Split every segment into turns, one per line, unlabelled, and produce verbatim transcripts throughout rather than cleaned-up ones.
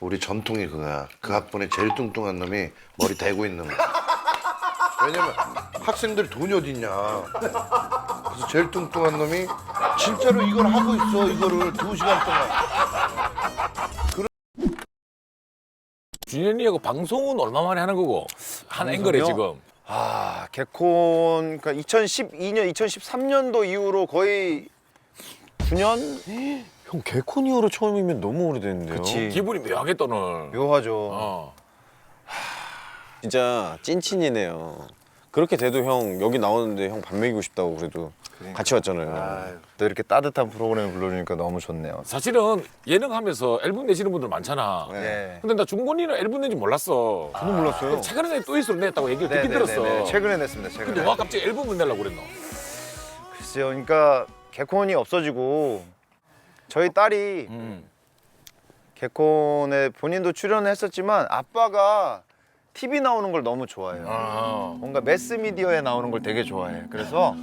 우리 전통이 그거야. 그 학번에 제일 뚱뚱한 놈이 머리 대고 있는 거야. 왜냐면 학생들이 돈이 어딨냐. 그래서 제일 뚱뚱한 놈이 진짜로 이걸 하고 있어. 이거를 두 시간 동안.
준현이하고 방송은 얼마 만에 하는 거고 한 앵글에 지금.
아, 개콘 그러니까 이천십이 년, 이천십삼 년도 이후로 거의 구 년?
형 개콘 이후로 처음이면 너무 오래됐는데요.
그치.
기분이 묘하겠다 오늘.
묘하죠.
어.
진짜 찐친이네요. 그렇게 돼도 형 여기 나오는데 형 밥 먹이고 싶다고 그래도 같이 왔잖아요.
아유, 또 이렇게 따뜻한 프로그램 불러주니까 너무 좋네요.
사실은 예능 하면서 앨범 내시는 분들 많잖아.
네.
근데 나 중곤이는 앨범 낸지 몰랐어.
저도 몰랐어요.
최근에 또 있어 냈다고 얘기를 듣긴 들었어.
최근에 냈습니다. 최근에.
근데 와 갑자기 앨범을 내려고 그랬노?
글쎄요. 그러니까 개콘이 없어지고 저희 딸이
음.
개콘에 본인도 출연했었지만 아빠가 티비 나오는 걸 너무 좋아해요.
아.
뭔가 매스미디어에 나오는 걸 되게 좋아해. 그래서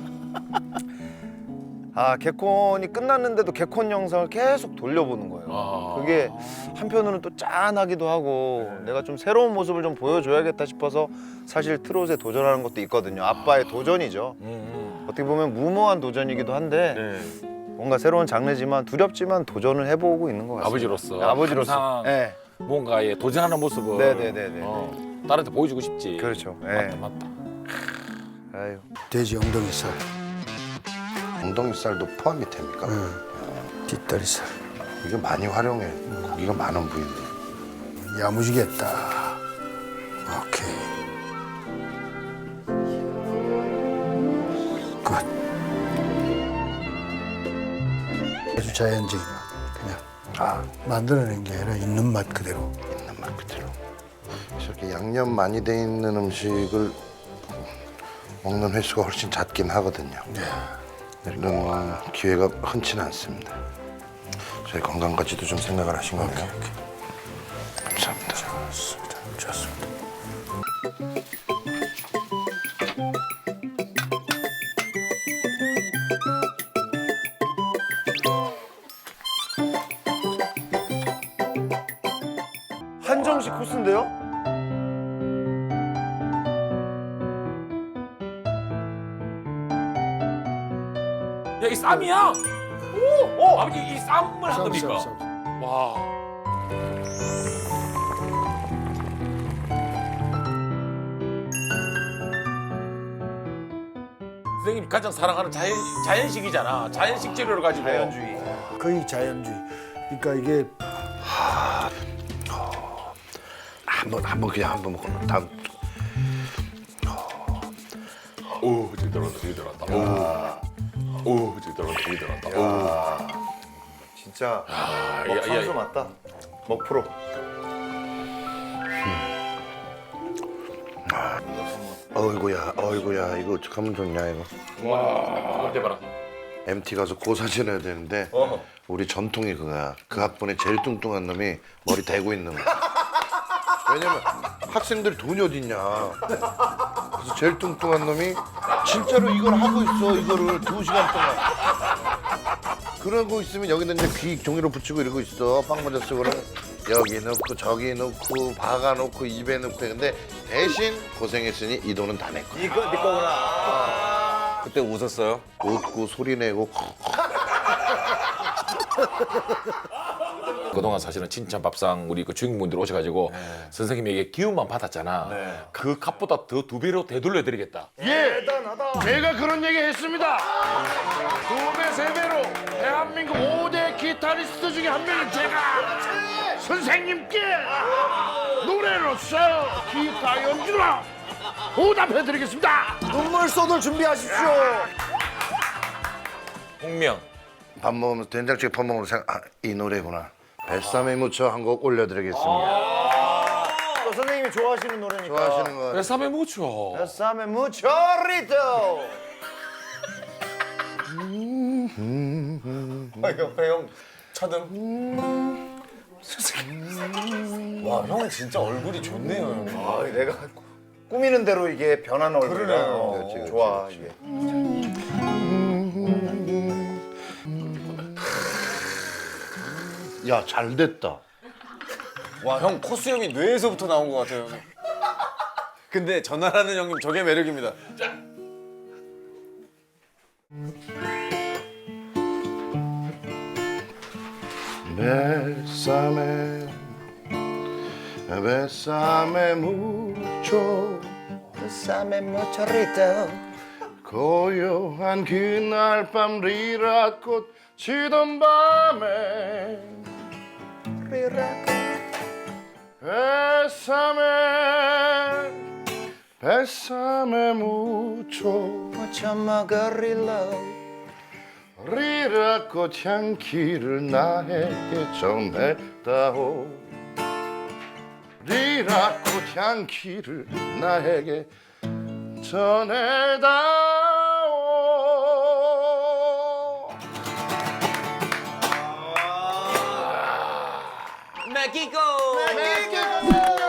아 개콘이 끝났는데도 개콘 영상을 계속 돌려보는 거예요.
아.
그게 한편으로는 또 짠하기도 하고 내가 좀 새로운 모습을 좀 보여줘야겠다 싶어서 사실 트롯에 도전하는 것도 있거든요. 아빠의 도전이죠.
음.
어떻게 보면 무모한 도전이기도 한데
네.
뭔가 새로운 장르지만 두렵지만 도전을 해보고 있는 것 같습니다.
아버지로서.
네, 아버지로서.
항상
네.
뭔가에 도전하는 모습을
네네네네.
어, 딸한테 보여주고 싶지.
그렇죠.
맞다
네.
맞다.
아유.
돼지 엉덩이살,
엉덩이살도 포함이 됩니까?
뒷다리살.
이게 많이 활용해. 고기가 많은 부위인데.
야무지겠다. 오케이. 끝. 아주 자연적인 맛. 그냥
아,
만들어낸 게 아니라 있는 맛 그대로.
있는 맛 그대로. 그래서 이렇게 양념 많이 돼 있는 음식을 먹는 횟수가 훨씬 잦긴 하거든요. 이런 기회가 흔치는 않습니다. 저희 건강까지도 좀 생각을 하신 거네요. 감사합니다.
좋습니다. 좋습니다.
한정식 코스인데요?
야 이 쌈이야? 오! 오! 아버지 이 쌈을 한
쌈,
겁니까?
쌈, 쌈.
와. 선생님이 가장 사랑하는 자연 자연식이잖아. 자연식 재료를 가지고.
자연주의.
거의 자연주의. 그러니까 이게
한번 한번 그냥 한번 먹고 다음.
오, 저기 들어간다, 저기 들어간다. 오, 오, 저기 들어간다, 저기 들어간다. 오.
진짜
아,
먹
야,
선수
야,
맞다. 먹 프로.
어이구야, 어이구야, 이거 어떡하면 좋냐 이거.
와, 대봐라.
엠티 가서 고사 지내야 되는데
어.
우리 전통이 그거야. 그 학번에 제일 뚱뚱한 놈이 머리 대고 있는 거야. 왜냐면 학생들이 돈이 어딨냐. 그래서 제일 뚱뚱한 놈이 진짜로 이걸 하고 있어. 이거를 두 시간 동안. 그러고 있으면 여기다 이제 귀 종이로 붙이고 이러고 있어. 빵 모자 쓰고는 여기 넣고 저기 넣고 박아 놓고 입에 넣고. 근데 대신 고생했으니 이 돈은 다 내 거야.
이거 네 거구나.
그때 웃었어요?
웃고 소리 내고
그동안 사실은 칭찬 밥상 우리 그 주인공분들 오셔가지고 선생님에게 기운만 받았잖아. 그 값보다 더 두 배로 되돌려드리겠다.
예! 제가 그런 얘기 했습니다. 두 배, 세 배로 대한민국 오 대 기타리스트 중에 한 명인 제가 선생님께 노래로서 기타 연주로 보답해드리겠습니다.
눈물 쏟을 준비하십시오.
홍명.
밥 먹으면서 된장찌개 밥 먹으면서 생각, 아, 이 노래구나. 뱃삼에 묻혀 한 곡 올려드리겠습니다.
또 선생님이 좋아하시는 노래니까.
좋아하시는 거.
뱃삼에 묻혀.
뱃삼에 무초리도. 아, 옆에 형 차등.
와 형은 진짜 얼굴이 좋네요. 형.
아, 내가 꾸미는 대로 이게 변하는 얼굴이라.
그러네요.
어,
그렇지, 그렇지,
좋아
그렇지.
이게.
야, 잘 됐다.
와, 형 코스염이 뇌에서부터 나온 것 같아요, 형님. 근데 전화라는 형님 저게 매력입니다.
Bésame, bésame mucho.
Bésame mucho, Rito.
고요한 그날 밤 리라꽃 지던 밤에 Bésame, bésame mucho.
Mucho 먹으리로.
리라꽃 향기를 나에게 전해다오. 리라꽃 향기를 나에게 전해다오.
메기고.
메기고.